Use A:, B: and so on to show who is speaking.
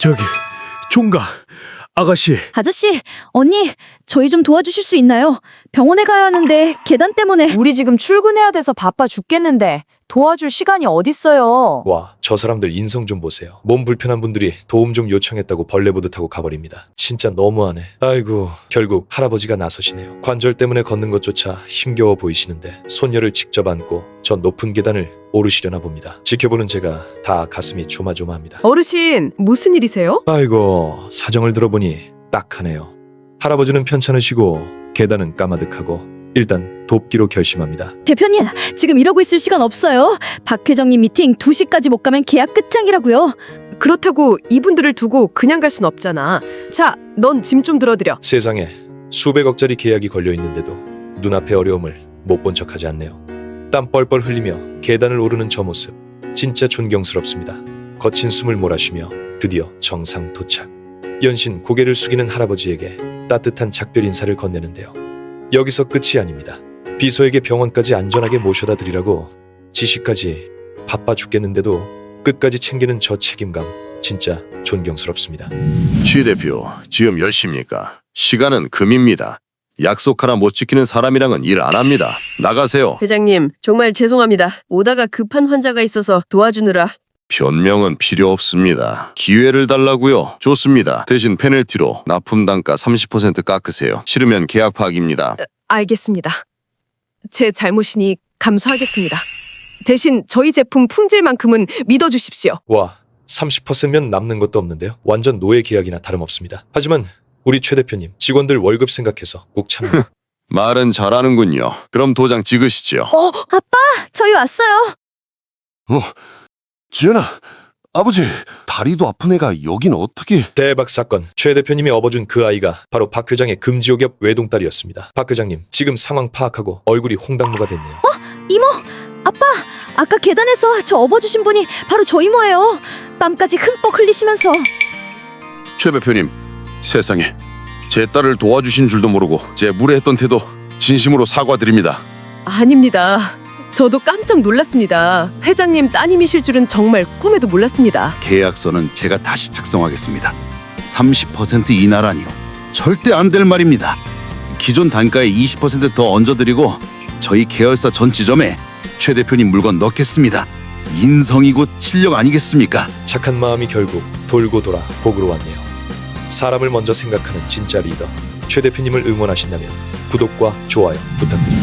A: 저기, 총각, 아가씨.
B: 아저씨, 언니, 저희 좀 도와주실 수 있나요? 병원에 가야 하는데 계단 때문에.
C: 우리 지금 출근해야 돼서 바빠 죽겠는데 도와줄 시간이 어딨어요.
D: 와, 저 사람들 인성 좀 보세요. 몸 불편한 분들이 도움 좀 요청했다고 벌레 보듯 하고 가버립니다. 진짜 너무하네. 아이고, 결국 할아버지가 나서시네요. 관절 때문에 걷는 것조차 힘겨워 보이시는데 손녀를 직접 안고 저 높은 계단을 오르시려나 봅니다. 지켜보는 제가 다 가슴이 조마조마합니다.
E: 어르신, 무슨 일이세요?
D: 아이고, 사정을 들어보니 딱하네요. 할아버지는 편찮으시고 계단은 까마득하고 일단 돕기로 결심합니다.
B: 대표님, 지금 이러고 있을 시간 없어요. 박 회장님 미팅 2시까지 못 가면 계약 끝장이라고요.
E: 그렇다고 이분들을 두고 그냥 갈 순 없잖아. 자, 넌 짐 좀 들어드려.
D: 세상에 수백억짜리 계약이 걸려 있는데도 눈앞의 어려움을 못 본 척하지 않네요. 땀 뻘뻘 흘리며 계단을 오르는 저 모습 진짜 존경스럽습니다. 거친 숨을 몰아쉬며 드디어 정상 도착. 연신 고개를 숙이는 할아버지에게 따뜻한 작별 인사를 건네는데요. 여기서 끝이 아닙니다. 비서에게 병원까지 안전하게 모셔다 드리라고 지시까지. 바빠 죽겠는데도 끝까지 챙기는 저 책임감 진짜 존경스럽습니다.
F: 취 대표, 지금 몇 시입니까? 시간은 금입니다. 약속 하나 못 지키는 사람이랑은 일 안 합니다. 나가세요.
E: 회장님, 정말 죄송합니다. 오다가 급한 환자가 있어서 도와주느라.
F: 변명은 필요 없습니다. 기회를 달라고요. 좋습니다. 대신 페널티로 납품 단가 30% 깎으세요. 싫으면 계약 파기입니다.
E: 알겠습니다. 제 잘못이니 감수하겠습니다. 대신 저희 제품 품질만큼은 믿어주십시오.
D: 와, 30%면 남는 것도 없는데요. 완전 노예 계약이나 다름없습니다. 하지만 우리 최 대표님 직원들 월급 생각해서 꾹 참는.
F: 말은 잘하는군요. 그럼 도장 찍으시죠.
B: 아빠, 저희 왔어요.
G: 지연아, 아버지, 다리도 아픈 애가 여긴 어떻게...
D: 대박 사건. 최 대표님이 업어준 그 아이가 바로 박 회장의 금지옥엽 외동딸이었습니다. 박 회장님, 지금 상황 파악하고 얼굴이 홍당무가 됐네요.
B: 이모, 아빠, 아까 계단에서 저 업어주신 분이 바로 저 이모예요. 땀까지 흠뻑 흘리시면서.
F: 최 대표님, 세상에 제 딸을 도와주신 줄도 모르고 제 무례했던 태도 진심으로 사과드립니다.
E: 아닙니다. 저도 깜짝 놀랐습니다. 회장님 따님이실 줄은 정말 꿈에도 몰랐습니다.
G: 계약서는 제가 다시 작성하겠습니다. 30% 인하라니요. 절대 안 될 말입니다. 기존 단가의 20% 더 얹어드리고 저희 계열사 전 지점에 최 대표님 물건 넣겠습니다. 인성이고 실력 아니겠습니까?
D: 착한 마음이 결국 돌고 돌아 복으로 왔네요. 사람을 먼저 생각하는 진짜 리더. 최 대표님을 응원하신다면 구독과 좋아요 부탁드립니다.